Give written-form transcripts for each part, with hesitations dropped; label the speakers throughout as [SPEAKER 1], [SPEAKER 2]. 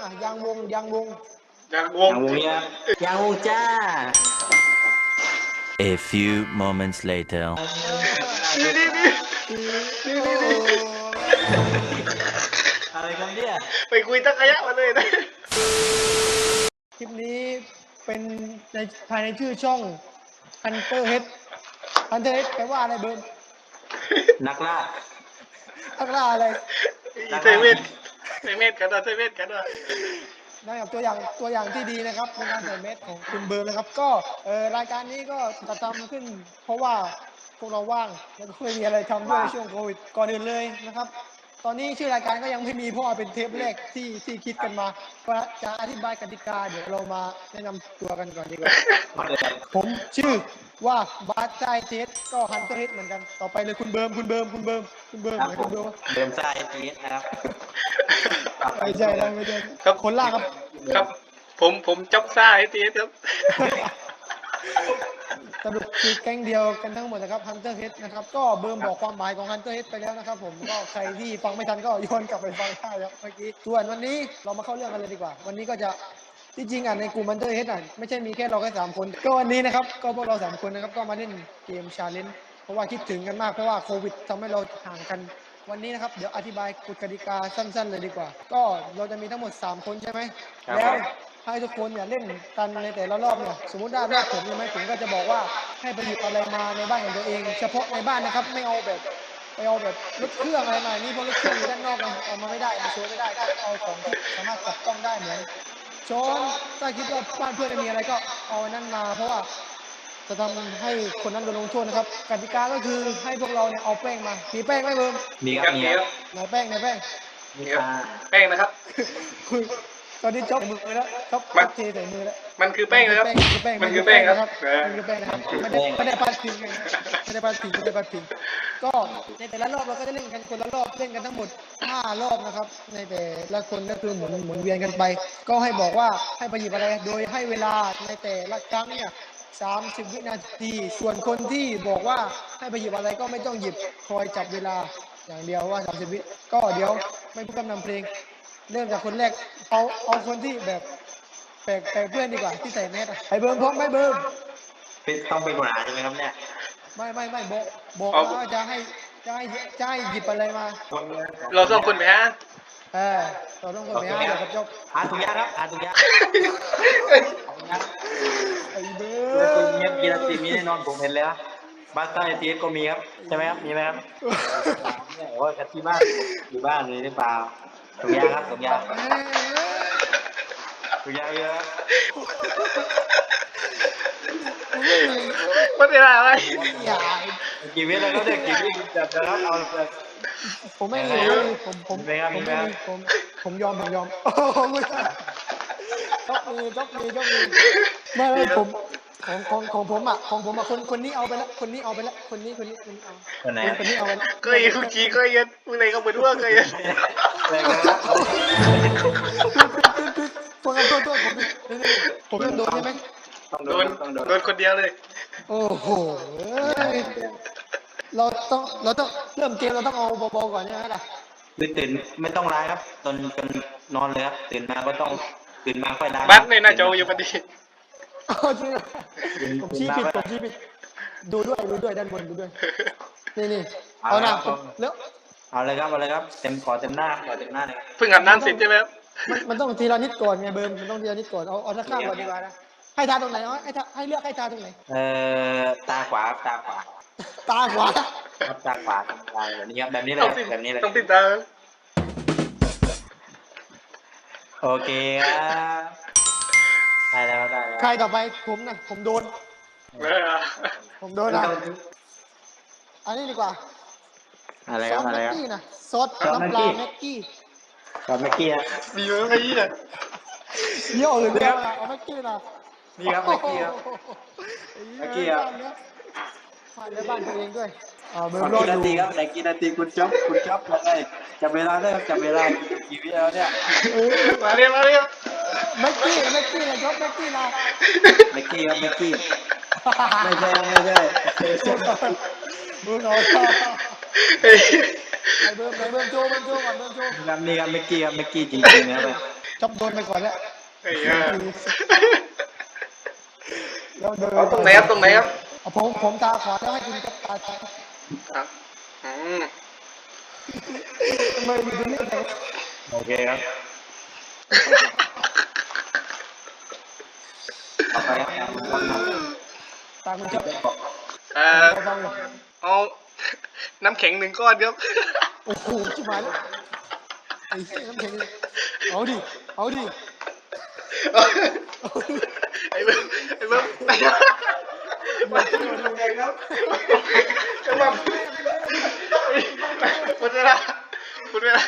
[SPEAKER 1] ยางวง
[SPEAKER 2] ยางวง
[SPEAKER 3] เนี่ยยางวงจ้า
[SPEAKER 4] A few moments later.
[SPEAKER 2] นี่
[SPEAKER 3] อะไรกันเนี่ย
[SPEAKER 2] ไปคุยตะขยะมาเลยนะ
[SPEAKER 1] คลิปนี้เป็นในภายในชื่อช่อง Hunter Head Hunter Head แปลว่าอะไรเบิร์ม
[SPEAKER 3] นักล่า
[SPEAKER 1] อักล่าอะไร
[SPEAKER 2] เซเว่นกันนะเซเว่นกันนะ
[SPEAKER 1] นะครับตัวอย่างที่ดีนะครับในการใส่เม็ดของคุณเบิร์มนะครับก็รายการนี้ก็จัดทำขึ้น เพราะว่าพวกเราว่างแล้วก็ไม่มีอะไรทำด้วยช่วงโควิดก่อนอื่นเลยนะครับ ตอนนี้ชื่อรายการก็ยังไม่มีเพราะว่าเป็นเทปแรกที่คิดกันมาก็จะอธิบายกติกาเดี๋ยวเรามาแนะนำตัวกันก่อนดีกว่าผมชื่อว่าบาสไซเทสก็ฮันเตอร์เฮดเหมือนกันต่อไปเลยคุณเบิร์มไหนคุณเบิร์ม
[SPEAKER 3] เดิมไซทีสนะครับ
[SPEAKER 1] ไม่ใช่แล้วไม่ใช่คนล่าครับ
[SPEAKER 2] ครับผมจับซ่าไอ้ตีครับ
[SPEAKER 1] สรุปคือแก๊งเดียวกันทั้งหมดนะครับ Hunter Head นะครับก็เบิร์มบอกความหมายของ Hunter Head ไปแล้วนะครับผมก็ใครที่ฟังไม่ทันก็ย้อนกลับไปฟังได้ครับเมื่อกี้ส่วนวันนี้เรามาเข้าเรื่องกันเลยดีกว่าวันนี้ก็จะที่จริงในกลุ่ม Hunter Head ไม่ใช่มีแค่เราแค่3คนก็วันนี้นะครับก็พวกเรา3คนนะครับก็มาเล่นเกม Challenge เพราะว่าคิดถึงกันมากเพราะว่าโควิดทำให้เราห่างกันวันนี้นะครับเดี๋ยวอธิบายกฎกติกาสั้นๆเลยดีกว่าก็เราจะมีทั้งหมด3คนใช่ไหมแล้วให้ทุกคนเล่นกันในแต่ละรอบเนี่ยสมมติได้รอบผมใช่ไหมผมก็จะบอกว่าให้ไปหยิบอะไรมาในบ้านของตัวเองเฉพาะในบ้านนะครับไม่เอาแบบไปเอาแบบรถเครื่องอะไรมานี่เพราะรถเครื่องอยู่ด้านนอกไงเอามาไม่ได้มาโชว์ไม่ได้ก็เอาของที่สามารถจับต้องได้เหมือนช้อนถ้าคิดว่าบ้านเพื่อนไม่มีอะไรก็เอาอันนั้นมาเพราะว่าจะทำให้คนนั้นโดนลงโทษนะครับกติกาก็คือให้พวกเราเนี่ยเอาแป้งมามีแป้งไหมเบิร์ม
[SPEAKER 3] มีครับมีครับ
[SPEAKER 1] ไหนแป้ง
[SPEAKER 3] มีครับ
[SPEAKER 2] แป้งนะครับ
[SPEAKER 1] คือตอนนี้จ๊อบมือแล้วจ๊อบเทใส่มือแล้ว
[SPEAKER 2] มันคือแป้งนะครับ
[SPEAKER 1] มันคือแป้งครับ
[SPEAKER 2] เออ
[SPEAKER 1] มันคือแป้งนะครับไม่ได้ปาดพิงกันนะไม่ได้ปาดพิงก็ในแต่ละรอบเราก็จะเล่นกันคนละรอบเล่นกันทั้งหมด5รอบนะครับในแต่ละคนก็คือหมุนเวียนกันไป ก็ให้บอกว่าให้ไปหยิบอะไรโดยให้เวลาในแต่ละครั้งเนี่ย30 วินาทีส่วนคนที่บอกว่าให้ไปหยิบอะไรก็ไม่ต้องหยิบคอยจับเวลาอย่างเดียวว่า30 วิก็เดี๋ยวไม่พูดคำนำเพลงเริ่มจากคนแรกเอาคนที่แบบแปลกเพื่อนดีกว่าที่ใส่แมสไอ้เบิร์มพร้อมไหมเบิร์ม
[SPEAKER 3] ต้องเป็นปัญหาใช่ไหมครับเนี่ย
[SPEAKER 1] ไม่บอกว่าจะให้หยิบอะไรมา
[SPEAKER 2] เราสองคนไปฮะ
[SPEAKER 1] เราต้องคนไปห้าเดี๋ยวกับจบ
[SPEAKER 3] หาถุงยางครับหาถุงยาง
[SPEAKER 1] ไอ้เบิ
[SPEAKER 3] กีฬา
[SPEAKER 1] ร์
[SPEAKER 3] สีมีแน่นอนผมเห็นแล้วบาสไซทีสก็มีครับใช่ไหมครับมีไหมครับโอ้ยกันที่บ้านอยู่บ้านเลยหรือเปล่าถุงยางครับถุงยางเยอะ
[SPEAKER 2] มันเป็นอะไร
[SPEAKER 1] อย่า
[SPEAKER 3] กี่วิแล้วก็เด็กกี่วิจับนะครับเอาเลย
[SPEAKER 1] ผมไม่มีผมยอมโอ้โหจ๊อบมีไม่ผมของผมคนนี้เอาไปแล้วคนนี้เอาคนนี้เอา
[SPEAKER 3] คนไหน
[SPEAKER 1] คนนี้เอาไปแล้ว
[SPEAKER 2] เคยคุกกี้เคยเย็นมึงไหนก็เป็นว่าเคยเย็น
[SPEAKER 3] อะไรกันครับ
[SPEAKER 1] โทษผมโดนใช่ไหม
[SPEAKER 2] โดนคนเดียวเลย
[SPEAKER 1] โอ้โหเราต้องเริ่มเกมเราต้องเอาเบาๆก่อนใช่ไหมล่ะ
[SPEAKER 3] ตื่นไม่ต้องล้างครับจนนอนเลยครับตื่นมาก็ต้องตื่นมาค่อยล้าง
[SPEAKER 2] บัสในหน้าจออยู่พอดี
[SPEAKER 1] จริงผมชี้ผิดดูด้วยด้านบนดูด้วยนี่เอาหน้าแล้ว
[SPEAKER 3] เอาเลยครับเต็มหน้าเลยครับ
[SPEAKER 2] เพิ่งอาบน้ำเสร็จใช่ไหมครับ
[SPEAKER 1] มันต้องทีละนิดก่อนไงเบิร์นมันต้องทีละนิดก่อนเอาสักข้างก่อนดีกว่านะให้ทาตรงไหนให้เลือกให้ทาตรงไหน
[SPEAKER 3] ตาขวา
[SPEAKER 1] ตาขวา
[SPEAKER 3] ครับตาขวาแบบนี้ครับแบบนี้เลยแบบนี้เลย
[SPEAKER 2] ต้องติดตาม
[SPEAKER 3] โอเคครับได้แล้ว
[SPEAKER 1] ใครต่อไปผมนะผมโดนนะอันนี้ดีกว่า
[SPEAKER 3] อะไรครับ
[SPEAKER 1] แม็กกี้นะซอสน้ำปลาแม็กกี้
[SPEAKER 3] กับเมื่อกี้
[SPEAKER 2] มีไหมเนี่ย
[SPEAKER 1] เยี่ยวหรือเปล่าเอาแม็กกี้นะ
[SPEAKER 3] นี่ครับเมื่อกี้ครับ
[SPEAKER 1] ผ่านในบ้านตัวเองด้วยเบอร์
[SPEAKER 3] กี่
[SPEAKER 1] รอ
[SPEAKER 3] นา
[SPEAKER 1] อ
[SPEAKER 3] ที
[SPEAKER 1] ยู่
[SPEAKER 3] ครับไหนกี่นาทีคุณจ๊อบเลยจับเวลาได้ครับจับเวลากี่วิแล้วเนี่ย
[SPEAKER 2] มาเรียก
[SPEAKER 1] แม็กกี้นะยกแม็กกี้นะ
[SPEAKER 3] เมื่อกี้ครับเมื่อกี้ไม่ใช่
[SPEAKER 1] มึงเอาไอ้เบิร์มโจก่อนเบิร์มโจ
[SPEAKER 3] ครับนี่ครับเมื่อกี้จริงๆนะครับ
[SPEAKER 1] โจ๊อบโดนไปก่อนแล้ว
[SPEAKER 2] ไอ้เหี้ย
[SPEAKER 1] แล้วเดิน
[SPEAKER 2] เอาตรงไหนครับตรงไหนครับ
[SPEAKER 1] เอาผมตาขวาแล้วให้คุณจ๊อบตาซ้าย
[SPEAKER 2] ครับอืม
[SPEAKER 1] ทำไมอยู่ตรงนี้เลย
[SPEAKER 3] โอเคครับต่อไปครับ
[SPEAKER 1] ตาคุณจ๊อบ
[SPEAKER 2] เอาน้ำแข็ง1 ก้อนครับ
[SPEAKER 1] โอ้โหชิบหายแล้วไอ้เหี้ยน้ำแข็งเลยเอาดิเอาดิ
[SPEAKER 2] ไอ้เบิ้มไอ้เบิ้มไอ้เบิ้มครับกำลังหมดเวลาหมดเวลา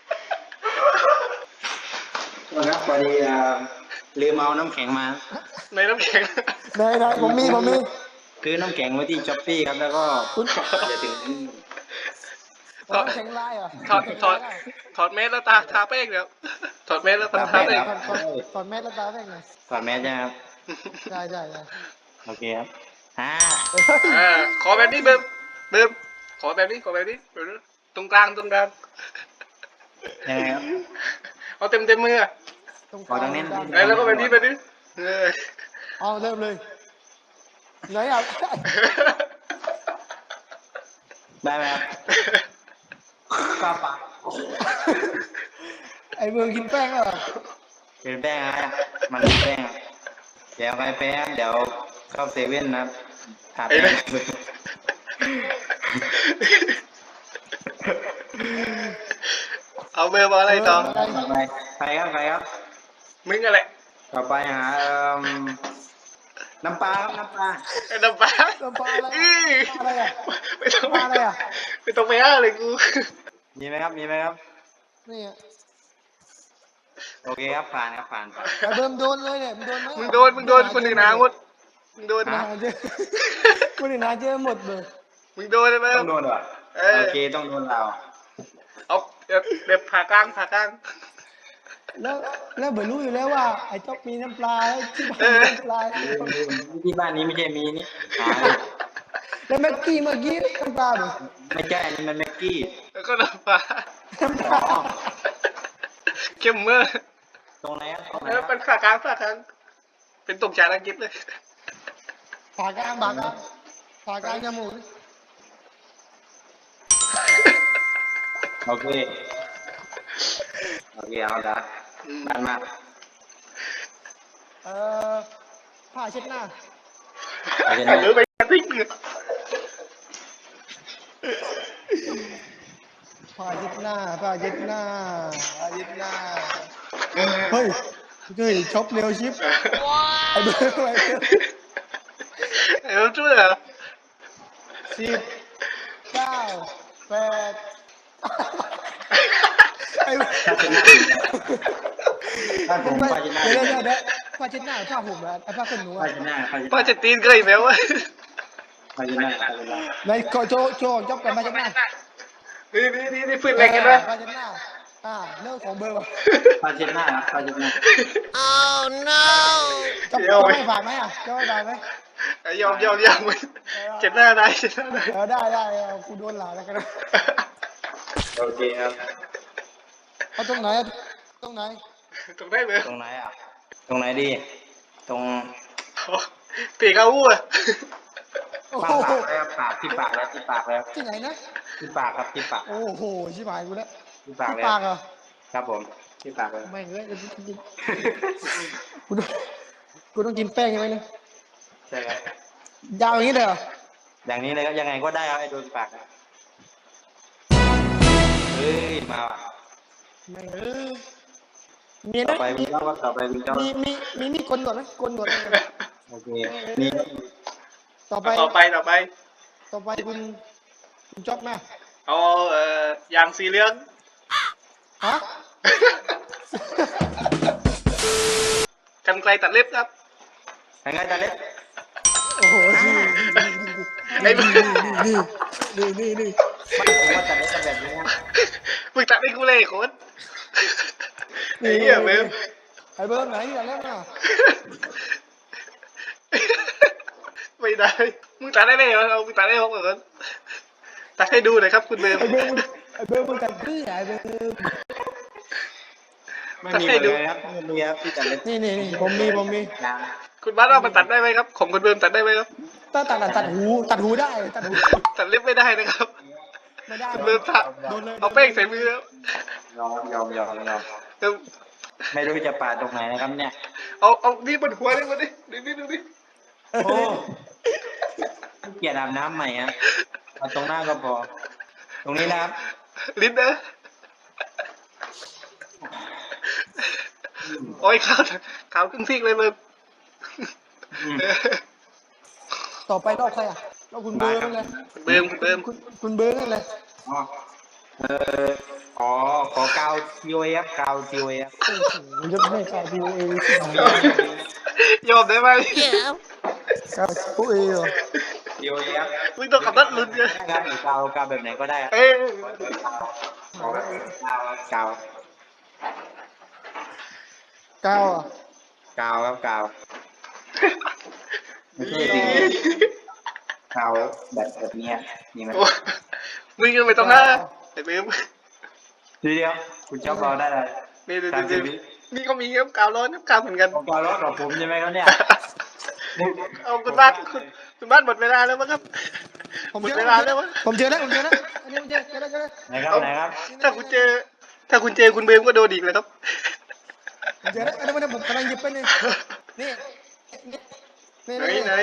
[SPEAKER 3] ครับพอดีลืมเอาน้ำแข็งมา
[SPEAKER 2] ในน้ำแข็ง
[SPEAKER 1] ไหนผมมี
[SPEAKER 3] คือน้ำแข็งไว้ที่ช้อปปี้ครับแล้วก็
[SPEAKER 1] คุณ
[SPEAKER 3] อย่าถึง
[SPEAKER 1] น้ำแข็งลายเหรอ
[SPEAKER 2] ถอดเมสแล้วทาแป้งเดี๋ยวถอดเมสแล้วทาแป้ง
[SPEAKER 1] ถอดแมสแล้วตาแป้งหน่อย
[SPEAKER 3] ถอดแมสใช่ไหมครับ
[SPEAKER 1] ได้
[SPEAKER 3] โอเคครับ
[SPEAKER 2] ขอแบบนี้เบิ้มขอแบบนี้ตรงกลาง
[SPEAKER 3] ยังไงครับ
[SPEAKER 2] เอาเต็มมือ
[SPEAKER 3] ขอตรงนี้
[SPEAKER 2] แล้วก็แบบนี้
[SPEAKER 1] เอาเริ่มเลยไหนอ่ะ
[SPEAKER 3] ได้ไหมครับกล้าปาก
[SPEAKER 1] ไอ้เมืองกินแป้งเหรอ
[SPEAKER 3] เป็นแป้งฮะมันเป็นแป้งครับเดี๋ยวไปแป้งเดี๋ยวเข้าเซเว่นนะครับหาแป้ง
[SPEAKER 2] เอาเบอร์มาอะไรต่อ
[SPEAKER 3] ต่อไปใครครับ
[SPEAKER 2] มึงอะไร
[SPEAKER 3] ต่อไปหาน้ำปลาครับน้ำปลา
[SPEAKER 2] ไอ้น้ำปลา
[SPEAKER 1] น้ำปลาอะไรอ่ะ
[SPEAKER 2] ไม่ต้อง
[SPEAKER 1] ปลาอะไรอ่ะ
[SPEAKER 2] ไม่ต้องไปอ้าเลยกู
[SPEAKER 3] มีไหมครับ
[SPEAKER 1] นี่อ่ะ
[SPEAKER 3] โอเคครับผ่าน
[SPEAKER 1] ไอ้เบิ่มโดนเลยเนี่ยมึงโดนไหม
[SPEAKER 2] มึงโดนคนอื่นหาหมดมึงโดน
[SPEAKER 1] หาเจอคนอื่นหาเจอหมดเลย
[SPEAKER 2] มึงโดนใช่ไหม
[SPEAKER 3] ต้องโดนเหรอโอเคต้องโดนเรา
[SPEAKER 2] เอาแบบผ่ากลาง
[SPEAKER 1] แล้วเบิ่มรู้อยู่แล้วว่าไอ้จ๊อบมีน้ำปลาแล้วที่บ้านมีน้ำปลา
[SPEAKER 3] ที่บ้านนี้ไม่ใช่มีนี่หา
[SPEAKER 1] แล้วแม็กกี้เมื่อกี้น้ำปลาเหรอ
[SPEAKER 3] ไม่ใช่อันนี้มันแม็กกี้
[SPEAKER 2] แล้วก็น้ำปลา
[SPEAKER 1] น้ำปลา
[SPEAKER 2] เข้มเมื่อ
[SPEAKER 3] ตรงไหนครับตรงไหน
[SPEAKER 2] แล้ว
[SPEAKER 3] ค
[SPEAKER 2] เป็
[SPEAKER 3] รับ
[SPEAKER 2] นผ่ากลางเป็นตกจากอังกฤษเลย
[SPEAKER 1] ผ่ากลางจมูก
[SPEAKER 3] โอเคเอาละบ้านมาก
[SPEAKER 1] ผ้าเช็ดหน้า
[SPEAKER 3] เอาเช่น
[SPEAKER 2] หรื
[SPEAKER 3] นี้
[SPEAKER 2] อไปกระติก
[SPEAKER 1] ผ้าเช็ดหน้าเฮ้ยช็อปเร็วชิปไอ้เบิ่มอะไร
[SPEAKER 2] ช่วยเหรอ
[SPEAKER 1] 10 9 8ไอ้
[SPEAKER 3] บ้านผมป้าจะหน้า
[SPEAKER 1] เดี๋ยวผ้าเช็ดหน้าผ้าห่มอะไอ้ผ้าขนหนู
[SPEAKER 3] ป้า
[SPEAKER 1] อะ
[SPEAKER 3] จะหน้า
[SPEAKER 2] ป้าจะตีนเคยไหมวะ
[SPEAKER 3] ป้าจะหน้า
[SPEAKER 1] ในโจจ๊อบกันผ้าเช็ดหน้า
[SPEAKER 2] นี่ฟื้นแรงกันไหม
[SPEAKER 1] ผ้าเช็ดหน้าเรื่องของเบอร์วะ
[SPEAKER 3] ป้าจะหน้าป้าจะหน้า
[SPEAKER 1] จะไม่ผ่านไหมอะจะไม่ผ่านไหม
[SPEAKER 2] ยอมเจ็บหน้าได้
[SPEAKER 1] ได้กูโดนหลาแล้วกันนะ
[SPEAKER 3] โอเคครับ
[SPEAKER 1] เอาตรงไหน
[SPEAKER 2] ตรงได้ไหม
[SPEAKER 3] ตรงไหนอ่ะตรงไหนดีตรง
[SPEAKER 2] ปีกเอาอู้อะ
[SPEAKER 1] โอ้
[SPEAKER 3] ปาก
[SPEAKER 1] โห
[SPEAKER 3] แล้วปากที่ปากแล้ว
[SPEAKER 1] ที่ไหนนะ
[SPEAKER 3] ที่ปากครับที่ปาก
[SPEAKER 1] โอ้โหชิบหายกูแล้ว
[SPEAKER 3] ที่ปาก
[SPEAKER 1] ที่
[SPEAKER 3] แล้ว
[SPEAKER 1] ปากเหรอ
[SPEAKER 3] ครับผมที่ปากเลย
[SPEAKER 1] ไม่เลยกูต้องกินแป้งใช่ไหมเนี่ย
[SPEAKER 3] ใช่ครับ
[SPEAKER 1] ยาวอย่างนี้เลยเหรอ
[SPEAKER 3] อย่างนี้เลยครับยังไงก็ได้ครับไอ้โดนปากเฮ้ยมาว่ะ
[SPEAKER 1] ไม่มี
[SPEAKER 3] ต่อ
[SPEAKER 1] นะ
[SPEAKER 3] ไปคุณเจ้าก็ต่อไปคุณเจ้า
[SPEAKER 1] มีกลนหนวดไหมกลนหนวด
[SPEAKER 3] โอเคนี่
[SPEAKER 1] ต่อไป
[SPEAKER 2] ต่อไป
[SPEAKER 1] คุณจ๊อบมา
[SPEAKER 2] เอายางสีเหลือง
[SPEAKER 1] ฮะ
[SPEAKER 2] กันไกลตัดเล็บครับ
[SPEAKER 3] ยังไงตาเล็ก
[SPEAKER 1] โอ้โหนี่
[SPEAKER 2] ไอ้มึง
[SPEAKER 1] นี่
[SPEAKER 3] ผมว่าตาเล็กจะแบบนี้นะ
[SPEAKER 2] มึงตัดให้กูเลยโค้ดไอ้เหี้ยเบม
[SPEAKER 1] ไอ้เบิ้มไหนอย่าเล่นนะ
[SPEAKER 2] ไม่ได้มึงตัดได้เลยเหรอเอามึงตัดได้ผมเหรอตัดให้ดูหน่อยครับคุณเบม
[SPEAKER 1] ไอ้เบิ้มมึงกัดเพื่อไอ้เบิ้ม
[SPEAKER 3] ไม่มีเลยครับไม่มีครับที่ตัดเล็บ
[SPEAKER 1] นี่ผมมี
[SPEAKER 3] ยาง
[SPEAKER 2] คุณบ้านว่ามันตัดได้ไหมครับของคุณเบิร์มตัดได้ไหมครับ
[SPEAKER 1] ถ้าตัดหูได้ตัดหู
[SPEAKER 2] ตัดเล็บไม่ได้นะครับ
[SPEAKER 1] ไม่ได้
[SPEAKER 2] คุณเบิร์มตัด
[SPEAKER 1] โดนเลย
[SPEAKER 2] เอาแป้งใส่มือครับ
[SPEAKER 3] ยอม
[SPEAKER 2] เดี๋ยว
[SPEAKER 3] ไม่รู้จะปาดตรงไหนนะครับเนี่ย
[SPEAKER 2] เอานี่บนหัวเลยมาดิดูดิ
[SPEAKER 3] โอ้เกลียดอาบน้ำใหม่ฮะเอาตรงหน้าก็พอ ตรงนี้นะครับ
[SPEAKER 2] ลิ้นนะโอ้ยขาวครึ่งซีกเลยเบิร์ม
[SPEAKER 3] อืม
[SPEAKER 1] ต่อไปรอบใครอ่ะรอบคุณเบิร์นเลย
[SPEAKER 2] คุณเบิร์ม
[SPEAKER 1] คุณเบิร์นนั่นเลย
[SPEAKER 3] อ๋อขอกาวทีโอเอฟกาวทีโอเอฟ
[SPEAKER 1] โอ้โหยกให้กาวดูเอง
[SPEAKER 2] ยอมได้ไหม
[SPEAKER 1] กาวดูเองเหรอ
[SPEAKER 3] ทีโอเอฟ
[SPEAKER 2] มึงต้องขับรถลุ้นเลย
[SPEAKER 3] นะครับหรือกาวแบบไหนก็ได้ครับ
[SPEAKER 2] เอ้ย
[SPEAKER 3] กาว
[SPEAKER 1] กาวอ่ะ
[SPEAKER 3] กาวครับกาวไม่ใช่จริงกาวแบบเนี้ยนี่ไหม
[SPEAKER 2] โอ้มึงยังไม่ต้องหน้าไอ้เบิร์ม
[SPEAKER 3] เดี๋ยวคุณชอบเราได้เลย
[SPEAKER 2] นี่
[SPEAKER 3] 30 วิ
[SPEAKER 2] นี่ก็มีครับกาวร้อนครับกาวเหมือนกัน
[SPEAKER 3] ของกาวรถของผมใช่ไหมครับเนี่ย
[SPEAKER 2] เอาคุณบ้านคุณบ้านหมดเวลาแล้วมั้งครับหมดเวลาแล้วมั้ง
[SPEAKER 1] ผมเจอแล้วอันนี้ผมเจอแล้ว
[SPEAKER 3] ไหนครับ
[SPEAKER 2] ถ้าคุณเจอคุณเบิร์มก็โดนอีกเลยครับ
[SPEAKER 1] ผมเจอแล้วอันนี้ผมกำลังหยิบไปนี่นี่
[SPEAKER 2] ไหน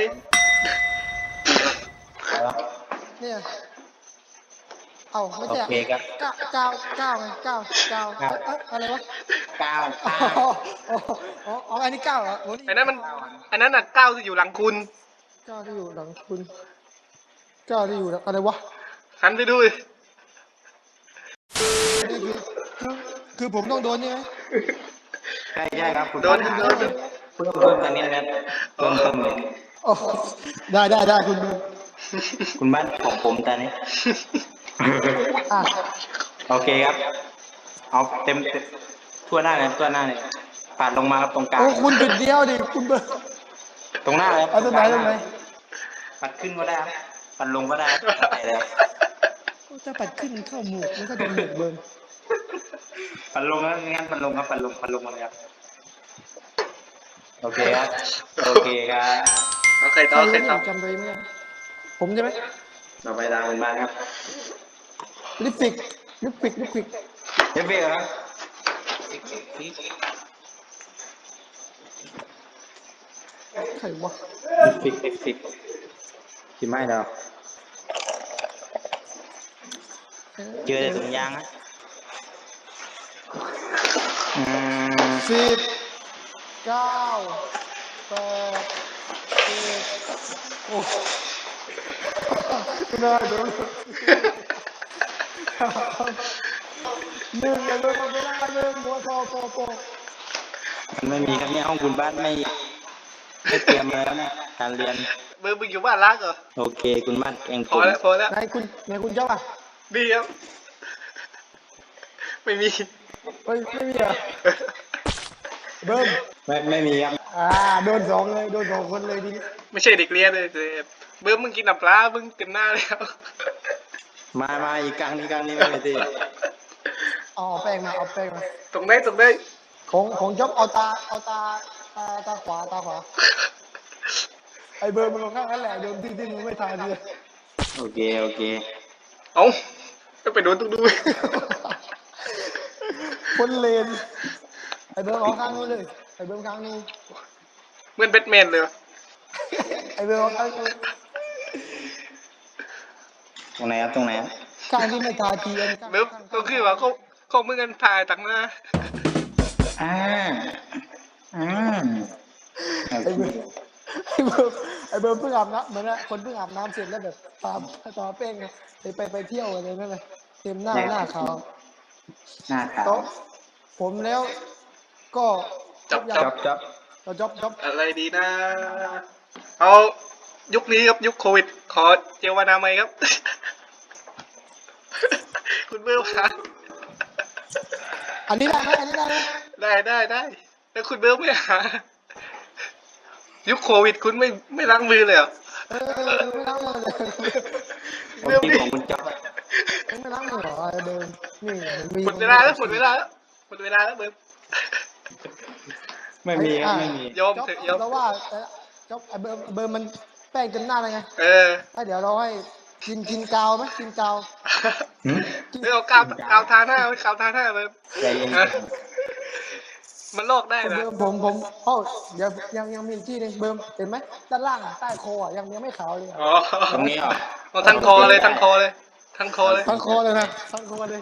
[SPEAKER 1] นี่เอาไม่
[SPEAKER 3] โอ
[SPEAKER 1] ใช่
[SPEAKER 3] เคครับ
[SPEAKER 1] ก้าวไงก้าวอะไรวะ
[SPEAKER 3] กาว
[SPEAKER 1] อ๋ออันนี้ก้าวเหรอ
[SPEAKER 2] อันนั้นน่ะก้าวที่อยู่หลังคุณ
[SPEAKER 1] ก้าวที่อยู่หลังคุณก้าวที่อยู่อะไรวะ
[SPEAKER 2] หันไปดูดิ
[SPEAKER 1] นี่คือผมต้องโดนใช่ไหม
[SPEAKER 3] ใช่ครับคุณ
[SPEAKER 2] โดน
[SPEAKER 3] เพิ่มตรงนี้นะเพิ่มเลย
[SPEAKER 1] โอ้ได้คุณ
[SPEAKER 3] คุณบ้านของผมตอนนี้
[SPEAKER 1] อ่ะ
[SPEAKER 3] โอเคครับ เอาเต็มทั่วหน้าเลยปาดลงมาครับตรงกลาง
[SPEAKER 1] โอ้คุณจุดเดียวดิคุณเบอร์
[SPEAKER 3] ตรงหน้าเลย
[SPEAKER 1] เอาตรงไหน
[SPEAKER 3] ปัดขึ้นก็ได้ครับปัดลงก็ได้ครับแล้วแต่เลยครับ
[SPEAKER 1] จะปัดขึ้นเข้าหมวกมันก็โดนหมวกเบิร์น
[SPEAKER 3] ปัดลงแล้วงั้นปัดลงครับปัดลงมาเลยครับโอเคครับโอเคครับ
[SPEAKER 2] เอาใครต่อ
[SPEAKER 1] จำตัวเองไม่ได้ผมใช่ไหม
[SPEAKER 3] ต่อไปตามคุณบ้านครับ
[SPEAKER 1] ลิปปิก
[SPEAKER 3] เอฟเฟกต์ครับ
[SPEAKER 1] ใครวะ
[SPEAKER 3] ฟิกที่ไม่เราเจอแต่ถุงยางนะ
[SPEAKER 1] 10 9 8 7โอ้ไม่ได้โดนหนึ่งอย่าโดนไม่ได้หนึ่งหัวโป
[SPEAKER 3] มันไม่มีครับเนี่ยห้องคุณบ้านไม่เตรียมเลยแล้วเนี่ยการเรียน
[SPEAKER 2] เบิร์มมึงอยู่บ้านรักเหรอ
[SPEAKER 3] โอเคคุณบ้านเอง
[SPEAKER 2] พอแล้ว
[SPEAKER 1] นายคุณเจ้าอ่ะ
[SPEAKER 2] ดีครับ ไม่มี
[SPEAKER 1] ไม่มีอ่ะเบิ้ม
[SPEAKER 3] ไม่มีครับ
[SPEAKER 1] โดน2เลยโดน2คนเลยทีนี้
[SPEAKER 2] ไม่ใช่เด็กเรียนเลยเบิร์มมึงกินน้ำปลามึงเต็มหน้าแล้ว
[SPEAKER 3] มาอีกกลางนี้ไม่มีที่
[SPEAKER 1] เอาแป้งมา
[SPEAKER 2] ตรงไหน
[SPEAKER 1] ของจ๊อบเอาตาขวาไอเบอร์มันลงข้างนั้นแหละโดนที่มึงไม่ทานเลย
[SPEAKER 3] โอเค
[SPEAKER 2] เอ้าก็ไปโดนตรงดู
[SPEAKER 1] คนเลนไอเบอร์เอาข้างนู้นเลยไอเบอร์ข้างนู้น
[SPEAKER 2] เหมือนแบทแมนเลย
[SPEAKER 1] ไอเบอร์เอาข้างนู้น
[SPEAKER 3] ตรงไหนครับ
[SPEAKER 1] ข้างที่ไม่ทาทีอัน
[SPEAKER 2] เบิร์มก็คือว่าเขามึงกันถ่ายตังหน้า
[SPEAKER 3] อ่า
[SPEAKER 1] ไอเบอร์เพิ่งอาบน้ำเหมือนคนเพิ่งอาบน้ำเสร็จแล้วแบบตาเป้งไปเที่ยวอะไรนั่นแหละเต็มหน้าขาว
[SPEAKER 3] หน้าขาว
[SPEAKER 1] โต๊ะผมแล้วก็
[SPEAKER 2] จับ
[SPEAKER 1] เราจ๊อบ
[SPEAKER 2] อะไรดีนะ เอายุคนี้ครับยุคโควิด ขอเจลวานามัยครับ คุณเบิร์มหา
[SPEAKER 1] อันนี้ได้ไหม
[SPEAKER 2] ได้แล้วคุณเบิร์มไม่หา ยุคโควิดคุณไม่ล้างมือเลยเหรอ
[SPEAKER 1] ไม่ล้างมือเลย
[SPEAKER 3] ผมที่ของคุณจ๊อบ
[SPEAKER 1] ไม่ล้างมือเหรอเดิมนี่
[SPEAKER 2] หมดเวลาแล้วเบิร์ม
[SPEAKER 3] ไม่มีครับไม่มี
[SPEAKER 2] ยอมเถอะยอม
[SPEAKER 1] แล้วว่าจ๊อบไอ้เบอร์มันแป้งเต็มหน้าเลยไง
[SPEAKER 2] เออ
[SPEAKER 1] ถ้าเดี๋ยวเราให้กินกาวไหมกินกาว
[SPEAKER 3] หืม
[SPEAKER 2] ไม่เอากาวทาหน้าไม่กาวทาหน้าเลย
[SPEAKER 3] ใจเย็น
[SPEAKER 2] มันลอกได้
[SPEAKER 1] คน
[SPEAKER 2] นะ
[SPEAKER 1] เดิมผมเดี๋ยวยังมีอีกที่หนึงเบิร์มเห็นไหมด้านล่างใต้คอยังไม่ขาวเลยอะ
[SPEAKER 2] อ๋อ
[SPEAKER 3] ตรงนี้เหรอ
[SPEAKER 2] เอาทั้งคอเลยทั้งคอเลยทั้งคอเลย
[SPEAKER 1] ทั้งคอเลยนะทั้งคอเลย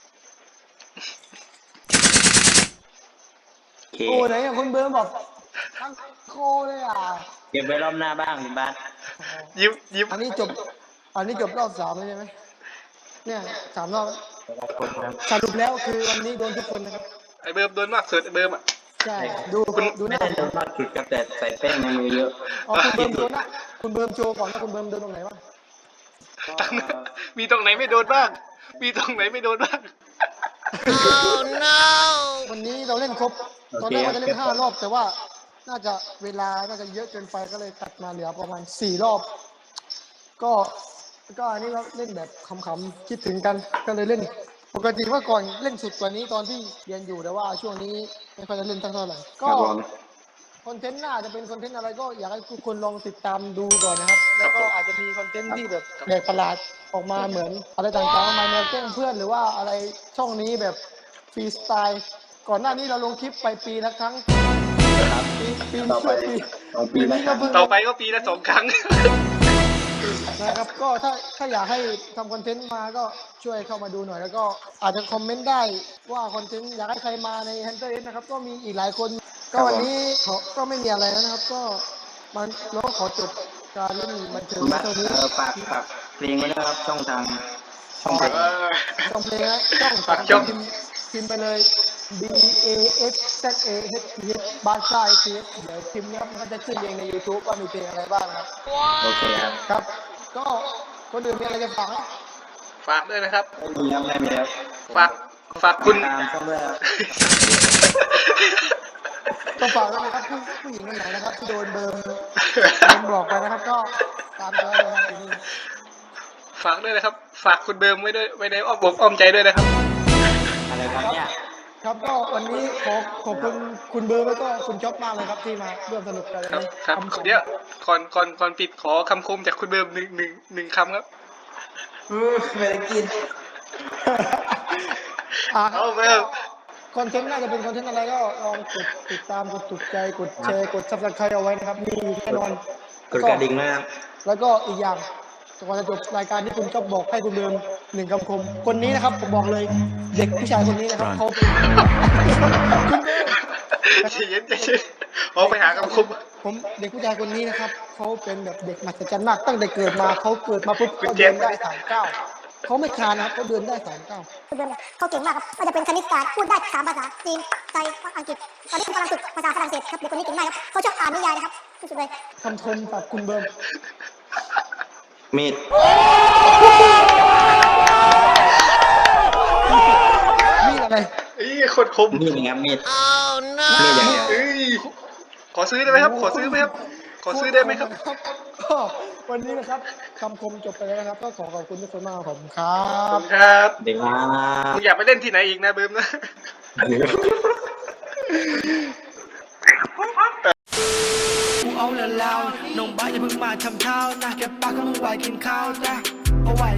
[SPEAKER 3] โอเค
[SPEAKER 1] โอ้ไหนอะคุณเบิร์มบอกทั้งคอเลยอ่ะ
[SPEAKER 3] เก็บไว้รอบหน้าบ้างคุณบ้าน
[SPEAKER 2] ยิ้ม
[SPEAKER 1] อันนี้จบรอบ3เลยใช่ไหมเนี่ย3 รอบแล้วสรุปแล้วคือวันนี้โดนทุกคนนะครับ
[SPEAKER 2] ไอ้เบิร์มโดนมากสุดไอ้เบิร์มอ่ะ
[SPEAKER 1] ใช่ดูห
[SPEAKER 3] ไม่
[SPEAKER 1] น้า
[SPEAKER 3] ได้โดนมากสุดครับแต่ใส่แป้งในมือเยอะ
[SPEAKER 1] อ๋อคุณเบิร์มโดนนะคุณเบิร์มโชว์ก่อนว่าคุณเบิร์มโดนตรงไหนบ้าง
[SPEAKER 2] มีตรงไหนไม่โดนบ้าง มีตรงไหนไม่โดนบ้าง
[SPEAKER 1] วันนี้เราเล่นครบตอนแรกว่าจะเล่น5 รอบ แต่ว่าน่าจะเวลาน่าจะเยอะเกินไปก็เลยตัดมาเหลือประมาณ4 รอบ ก็อันนี้เราเล่นแบบขำๆคิดถึงกันก็เลยเล่น ปกติว่าก่อนเล่นสุดกว่านี้ตอนที่เรียนอยู่แต่ว่าช่วงนี้ไม่ค่อยจะเล่นเท่าไหร่ก็คอนเทนต์หน้าจะเป็นคอนเทนต์อะไรก็อยากให้ทุกคนลองติดตามดูก่อนนะครับ แล้วก็อาจจะมีคอนเทนต์ที่แบบแปลกประหลาดออกมาเหมือนอะไรต่างๆมาแนวแกล้งเพื่อนหรือว่าอะไรช่องนี้แบบฟรีสไตล์ก่อนหน้านี้เราลงคลิปไปปีละครั้งปี
[SPEAKER 3] ต่อไป
[SPEAKER 1] ช่วง
[SPEAKER 3] เอาปี
[SPEAKER 1] ปี
[SPEAKER 3] ละ
[SPEAKER 1] นี้
[SPEAKER 3] ครั้
[SPEAKER 1] ก็
[SPEAKER 3] ง
[SPEAKER 1] เพิ่ง
[SPEAKER 2] ต่อไปก็ปีละ2 ครั้ง
[SPEAKER 1] นะครับก็ถ้าอยากให้ทำคอนเทนต์มาก็ช่วยเข้ามาดูหน่อยแล้วก็อาจจะคอมเมนต์ได้ว่าคอนเทนต์อยากให้ใครมาใน Hunter X นะครับก็มีอีกหลายคนก็วันนี้ก็ไม่มีอะไรแล้วนะครับ ก็มันเราก็ขอจบการเล่นบันเทิง
[SPEAKER 3] คุณ
[SPEAKER 1] ไว้
[SPEAKER 3] บ้าน
[SPEAKER 1] เท่านี้
[SPEAKER 3] ฝากเพลงไว้นะครับช่องทางช่องเพลง
[SPEAKER 1] ช่องเพลงนะช่อง
[SPEAKER 2] ฝากช่อง
[SPEAKER 1] พิมพ์ไปเลย B A S Z A H T H บ้านค่าย T H เดี๋ยวพิมพ์นะครับมันก็จะขึ้นเองใน YouTube ว่ามีเพลงอะไรบ้างนะครับ
[SPEAKER 3] โอเคครับ
[SPEAKER 1] ครับ ก็คนอื่นมีอะไรจะฝากไหม
[SPEAKER 2] ฝากด้วยนะครับ
[SPEAKER 3] ไม่มีครับไม่มีครับ
[SPEAKER 2] ฝากคุณ
[SPEAKER 3] ตามช่องด้วยครับ
[SPEAKER 1] ก็ฝากด้วยนะครับผู้หญิงคนไหนนะครับที่โดนเบิร์มบอกไปนะครับ ก็ตามตัวเลยครับที่นี่
[SPEAKER 2] ฝากด้วยนะครับ ฝากคุณเบิร์มไว้ด้วยไว้ในอ้อมอกอ้อมใจด้วยนะครับ
[SPEAKER 3] อะไรครับเนี่ย
[SPEAKER 1] ครับก็วันนี้ขอบคุณคุณเบิร์มแล้วก็คุณจ๊อบมากเลยครับที่มาร่วมสนุกกันวัน
[SPEAKER 2] ครับ
[SPEAKER 1] นี้
[SPEAKER 2] ครับ
[SPEAKER 1] ขอบณ
[SPEAKER 2] เดี๋ยวก่อนปิดขอคำคมจากคุณเบิร์มหนึ่งคำครับ
[SPEAKER 3] ไม่ได้กิน
[SPEAKER 2] เอาเบิร์ม
[SPEAKER 1] คอนเทนต์น่าจะเป็นคอนเทนต์อะไรก็ลองกดติดตามกดถูกใจกดแชร์กดซับสไครต์เอาไว้นะครับมีแน่นอน
[SPEAKER 3] กดกระดิ่งนะครับ
[SPEAKER 1] แล้วก็อีกอย่างก่อนจะจบรายการที่คุณจ๊อบบอกให้คุณเบิร์ม1 คำคมคนนี้นะครับผมบอกเลยเด็กผู้ชายคนนี้นะครับเขาเป็นคุณเบิร์ม
[SPEAKER 2] ใจเย็นเอาไปหาคำคม
[SPEAKER 1] ผมเด็กผู้ชายคนนี้นะครับเขาเป็นแบบเด็กมหัศจรรย์มากตั้งแต่เกิดมาเขาเกิดมาปุ๊บเขาเดินได้3 ก้าวเขาไม่คลานนะครับเขาเดินได้3 ก้าว
[SPEAKER 5] คุณเบิร์มเนี่ยเขาเก่งมากครับก็จะเป็นคณิตศาสตร์พูดได้3 ภาษาจีนไทยอังกฤษตอนนี้กำลังฝึกภาษาฝรั่งเศสครับเด็กคนนี้เก่งมากครับเขาชอบอ่านนิยายนะครับสุดๆเลย
[SPEAKER 1] คำชมจากคุณเบิร์ม
[SPEAKER 3] มีด
[SPEAKER 1] มีอะไร
[SPEAKER 2] เอ้ยโคตรคม
[SPEAKER 3] มีดนะครับมีดมีดอย่างเดียว
[SPEAKER 2] เอ้ยขอซื้อได้ไหมครับ ขอซื้อไหมครับ ขอซื้อได้ไหมครับ
[SPEAKER 1] ก็วันนี้นะครับคำคมจบไปแล้วนะครับ ก็ขอบคุณทุกคนมากครับผมครั
[SPEAKER 2] ขอบบ คุณครับ
[SPEAKER 3] เด็กมา
[SPEAKER 2] มึงอยากไปเล่นที่ไหนอีกนะเบิร์มนะ
[SPEAKER 6] กูเอาแล้วน้องบ้าอย่าเพิ่งมาทำเท้านะแกปากก็มึงไหวกินข้าวจ้ะเอาไหว